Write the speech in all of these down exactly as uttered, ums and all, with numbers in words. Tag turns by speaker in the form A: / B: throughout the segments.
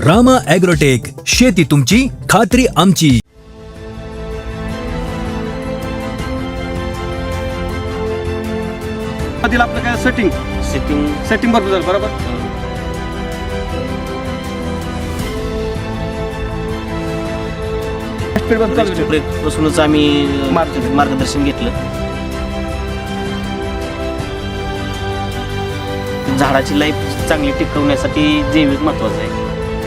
A: Rama agrotech, शेती तुमची, खात्री आमची.
B: आधी आपलं काय सेटिंग
C: सेटिंग
B: सेटिंग भरपूर झालं बरोबर.
C: पासूनच आम्ही
B: मार्ग-
C: मार्गदर्शन घेतलं. झाडाची लाईफ चांगली टिकवण्यासाठी जैविक महत्वाचं आहे.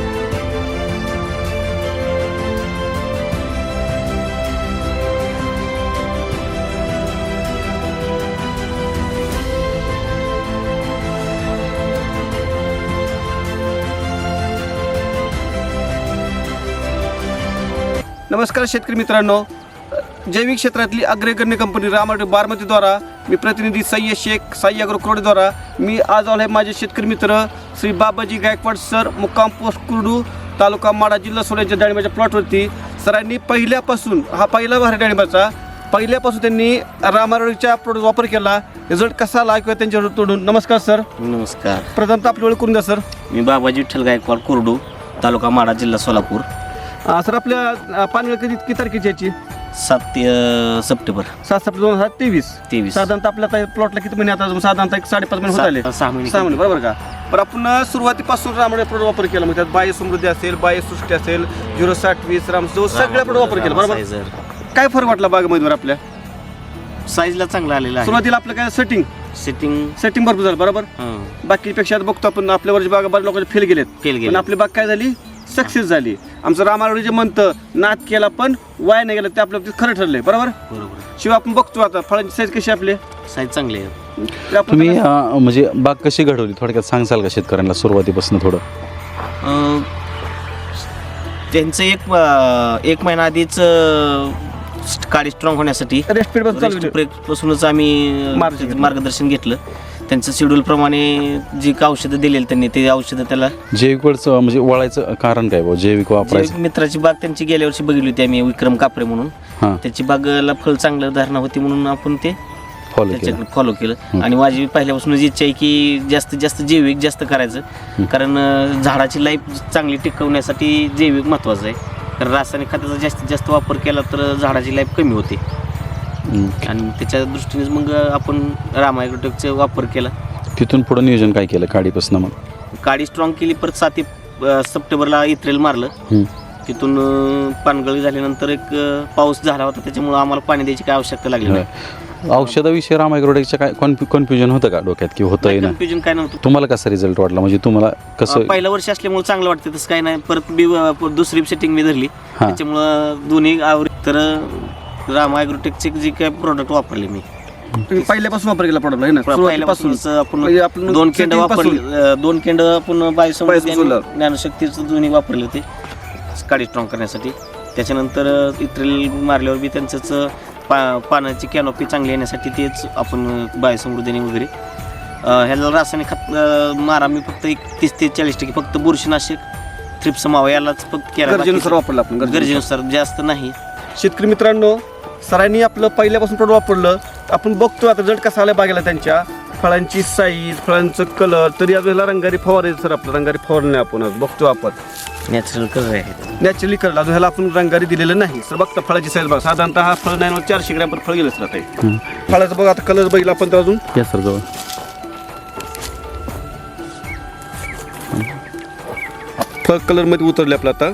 B: नमस्कार शेतकरी मित्रांनो, जैविक क्षेत्रातली अग्रगण्य कंपनी रामा बारामतीद्वारा मी प्रतिनिधी सय्यद शेख साई अग्रो क्रोडेद्वारा मी आज आलो आहे माझे शेतकरी मित्र श्री बाबाजी गायकवाड सर, मुक्काम पोस्ट कुर्डू, तालुका माडा, जिल्हा सोलापूर यांच्या डाळिंबाच्या प्लॉटवरती सरांनी पहिल्यापासून हा पहिला भारी डाळिंबाचा पहिल्यापासून त्यांनी रामारोडीच्या प्रोडक्ट वापर केला. रिझल्ट कसा आला किंवा त्यांच्यावर तोडून. नमस्कार सर.
C: नमस्कार.
B: प्रथमतः आपली ओळख करून द्या सर.
C: मी बाबाजी विठ्ठल गायकवाड कुर्डू, तालुका माडा, जिल्हा सोलापूर.
B: अं, सर आपल्या पानगळ कधी किती तारखेची याची?
C: सात ते अं, सप्टेंबर
B: सात सप्टेंबर दोन हजार तेवीस
C: तेवीस
B: साधारणतः आपल्या आता प्लॉटला किती महिने आता साधारणतः एक साडेपाच महिने होत आले.
C: सहा- सहा महिने
B: सहा महिने बरोबर का. पण आपण सुरुवातीपासून रामडे प्रोडक्ट वापर केला, मग त्यात बाय समृद्धी असेल, बाय सृष्टी असेल, झिरो साठ वीस रामसो सगळ्या प्रोडक्ट वापर केला बरोबर.
C: साईजर.
B: काय फरक वाटला बागेमध्ये आपल्या?
C: साईजला चांगला आलेला आहे.
B: सुरुवातीला आपलं काय सेटिंग
C: सेटिंग
B: सेटिंग भरपूर झालं बरोबर.
C: हं.
B: बाकीपेक्षा आता बघतो आपण आपल्यावरची बाग बऱ्याच लोकांचे फेल गेलेत,
C: फेल
B: पण
C: गेले.
B: आपली बाग काय झाली, सक्सेस झाली. आमचं रामारोडी जे म्हणतं नाद केला पण वाया नाही गेलं, ते आपल्या बाबतीत खरं ठरलंय बरोबर.
C: बरोबर.
B: शिवाय आपण बघतो आता फळांची साईज कशी आपले
C: साईज चांगली आहे.
B: ते आपण
D: तुम्ही अं, म्हणजे बाग कशी घडवली थोडक्यात सांगसाल का शेतकऱ्यांना सुरुवातीपासून थोडं?
C: अं, त्यांचं एक अं, एक महिना आधीच अं, काडी स्ट्रॉंग होण्यासाठी
B: रेस्ट पिरियड चालू आहे.
C: पासूनच आम्ही
B: मार्गदर्शन
C: अं, मार्गदर्शन घेतलं. त्यांचं शेड्यूल प्रमाणे जी काय औषधं दिलेली त्यांनी ते औषधं त्याला
D: जैविकवरचं म्हणजे वळायचं कारण काय भाऊ, जैविक वापरायचं?
C: जैविक मित्राची बाग त्यांची गेल्या वर्षी बघितली होती आम्ही, विक्रम कापरे म्हणून.
D: हां,
C: त्याची बागला फळ चांगलं धारणा होती म्हणून आपण ते
D: फॉलो केलं.
C: त्याच्याकडे फॉलो केलं. आणि माझी पहिल्यापासूनच इच्छा आहे की जास्तीत जास्त जैविक जास्त करायचं, कारण अं, झाडाची लाईफ चांगली टिकवण्यासाठी जैविक महत्त्वाचं आहे. कारण रासायनिक खताचा जास्तीत जास्त वापर केला तर झाडाची लाईफ कमी होते.
D: हं.
C: आणि त्याच्या दृष्टीने मग आपण रामा ॲग्रोटेकचा वापर केला.
D: तिथून पुढं नियोजन काय केलं काडीपासून मग?
C: काडी स्ट्रॉंग केली, परत सात अं, सप्टेंबरला इत्रेल मारलं.
D: हं.
C: तिथून अं, पानगळी झाल्यानंतर एक अं, पाऊस झाला होता, त्याच्यामुळं आम्हाला पाणी द्यायची काय आवश्यकता लागली नाही.
D: औषधाविषयी रामायग्रोटेकच्या काय कन्फ्युजन होतं का डोक्यात की होतंय ना?
C: कन्फ्युजन काय नव्हतं.
D: तुम्हाला कसा रिझल्ट वाटला, म्हणजे तुम्हाला कसं?
C: पहिल्या वर्षी असल्यामुळे चांगलं वाटतं, तसं काही नाही. परत मी अं, दुसरी सेटिंग मी धरली,
D: हां.
C: त्याच्यामुळं दोन्ही आवडी. तर रामा ॲग्रोटेकचे जे काय प्रोडक्ट वापरले मी
B: तुम्ही पहिल्यापासून वापर केला प्रोडक्ट आहे ना, सुरुवातीपासून
C: पहिल्यापासूनच आपण
B: म्हणजे आपण
C: दोन केंड
B: setting
C: वापरले,
B: पासून.
C: अं, दोन केंड आपण बायोसमृद्धी आणि
B: बायोसमृद्धी.
C: ज्ञानशक्तीचं दोन्ही वापरले होते काडी स्ट्रॉंग करण्यासाठी. त्याच्यानंतर अं, इत्रेल मारल्यावर बी त्यांचंच पा पानाची कॅनोपी चांगली येण्यासाठी तेच आपण बायोसमृद्धीने वगैरे अं, ह्याला रासायनिक खत अं, मारा मी फक्त एक तीस ते चाळीस टक्के फक्त बुरशीनाशक थ्रिप्स मावा यालाच फक्त केला,
B: गरजेनुसार वापरला आपण गरजेनुसार.
C: गरजेनुसार जास्त नाही.
B: शेतकरी मित्रांनो, सरांनी आपलं पहिल्यापासून प्रोडक्ट वापरलं. आपण बघतो आता रिझल्ट कसा आला बागेला, त्यांच्या फळांची साईज, फळांचं कलर. तरी अजून ह्याला रंगारी फवारायचं सर, आपलं रंगारी फवारणी आपण आज बघतो आपण
C: नॅचरल कलर आहे.
B: Naturally colour. अजून ह्याला आपण रंगारी दिलेलं नाही सर. बघता फळाची साईज बघा, साधारणतः हा फळ नाही चारशे ग्रॅम पण फळ गेलं सर आता.
D: हं.
B: फळाचं बघा आता कलर बघितला आपण तर अजून
D: या सर जवळ
B: फळ कलर मध्ये उतरले आपलं आता.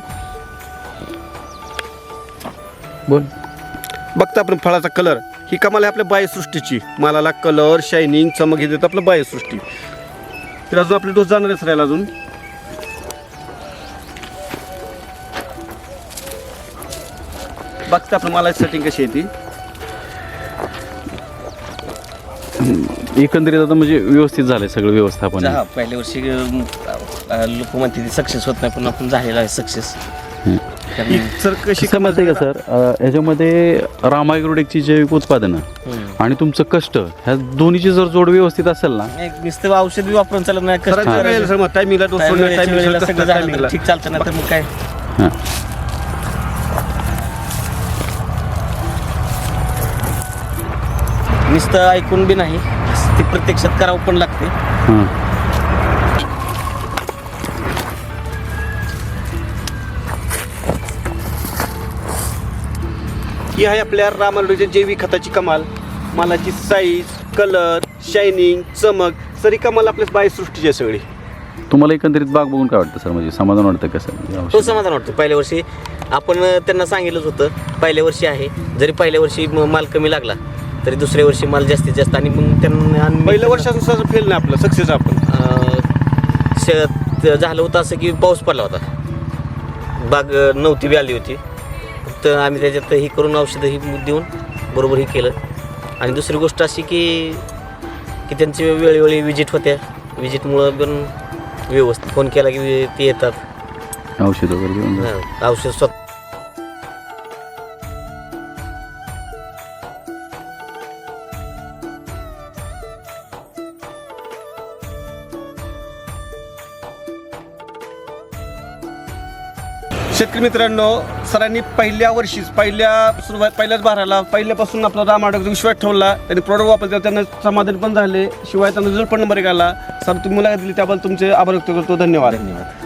D: बोल.
B: बघता आपण फळाचा कलर, ही कमाल आहे आपल्या बायोसृष्टीची. मालाला कलर, शायनिंग, चमक हे देतं आपलं बायोसृष्टी. तर अजून आपले डोस जाणार आहे सर याला अजून. बघता आपण मला सेटिंग कशी आहे ती.
D: एकंदरीत आता म्हणजे व्यवस्थित झालंय सगळं व्यवस्थापन.
C: हा, पहिल्या वर्षी लोक म्हणते सक्सेस होत नाही, पण आपण झालेला आहे सक्सेस.
B: ही सर कशी
D: समजते का सर, अं, याच्यामध्ये रामा ॲग्रोटेकची जैविक उत्पादनं आणि तुमचं कष्ट ह्या दोन्हीची जर जोड व्यवस्थित असेल ना,
C: नुसतं औषध बी वापरून चालत नाही. कष्ट
B: सरांच्या वेळेला सर मग टायमिंगला डोस सोडणं,
C: वेळेच्या वेळेला
B: टायमिंगला
C: सगळं झालं
B: टायमिंगला
C: तर ठीक चालतं ना, तर मग काय.
D: हां,
C: नुसतं ऐकून बी नाही, ते प्रत्यक्षात करावं पण लागते.
D: हां.
B: ही आहे आपल्या रामारोडीच्या जैविक खताची कमाल. मालाची साईज, कलर, शायनिंग, चमक सरी कमाल आपल्या बायोसृष्टीची आहे सगळी.
D: तुम्हाला एकंदरीत बाग बघून काय वाटतं सर, म्हणजे समाधान वाटतं कसं?
E: तो समाधान वाटतं. पहिल्या वर्षी आपण त्यांना सांगितलंच होतं, पहिल्या वर्षी आहे, जरी पहिल्या वर्षी म- माल कमी लागला तरी दुसऱ्या वर्षी माल जास्तीत जास्त. आणि मग त्यांना आणि
B: पहिल्या वर्षानुसार फेल नाही आपलं, सक्सेस आपण.
E: अं, शेत झालं होतं असं की पाऊस पडला होता, बाग अं, नव्हती बी आली होती. तर आम्ही त्याच्यात ही करून औषधं ही देऊन बरोबर ही केलं. आणि दुसरी गोष्ट अशी की की त्यांची वेळोवेळी विजिट होत्या, विजिटमुळं पण व्यवस्थित फोन केला की ते येतात.
D: औषध वगैरे देऊन जा.
E: हां, औषध स्वतः
B: शेतकरी मित्रांनो, सरांनी पहिल्या वर्षीच पहिल्या सुरुवात पहिल्याच भाराला पहिल्यापासून आपला रामारोडीचा विश्वास ठेवला. त्यांनी प्रोडक्ट वापरले, त्यांना समाधान पण झाले, शिवाय त्यांना रिझल्ट पण नंबर एक आला. सर तुम्ही मुलाखत दिली त्याबद्दल तुमचे आभार व्यक्त करतो. धन्यवाद.
E: धन्यवाद.